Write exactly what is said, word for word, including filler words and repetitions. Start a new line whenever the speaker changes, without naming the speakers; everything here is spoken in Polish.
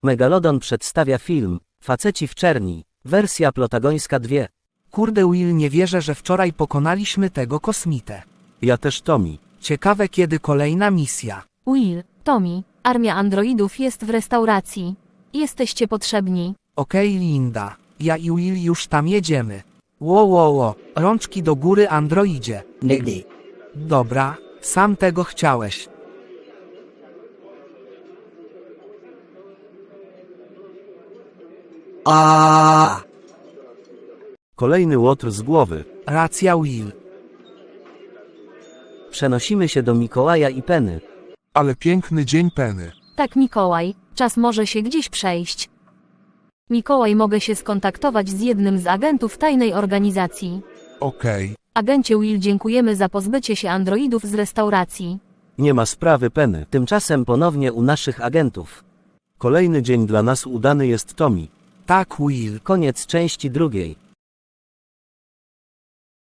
Megalodon przedstawia film Faceci w czerni, wersja plotagońska dwa.
Kurde Will, nie wierzę, że wczoraj pokonaliśmy tego kosmitę.
Ja też, Tommy.
Ciekawe, kiedy kolejna misja.
Will, Tommy, armia androidów jest w restauracji. Jesteście potrzebni.
Okej, Linda. Ja i Will już tam jedziemy. Ło, ło, ło. Rączki do góry, androidzie.
Nigdy.
Dobra, sam tego chciałeś.
A.
Kolejny łotr z głowy.
Racja, Will.
Przenosimy się do Mikołaja i Penny.
Ale piękny dzień, Penny.
Tak, Mikołaj, czas może się gdzieś przejść. Mikołaj, mogę się skontaktować z jednym z agentów tajnej organizacji.
Okej.
Agencie Will, dziękujemy za pozbycie się androidów z restauracji.
Nie ma sprawy, Penny.
Tymczasem ponownie u naszych agentów.
Kolejny dzień dla nas udany jest, Tommy.
Tak, Will.
Koniec części drugiej.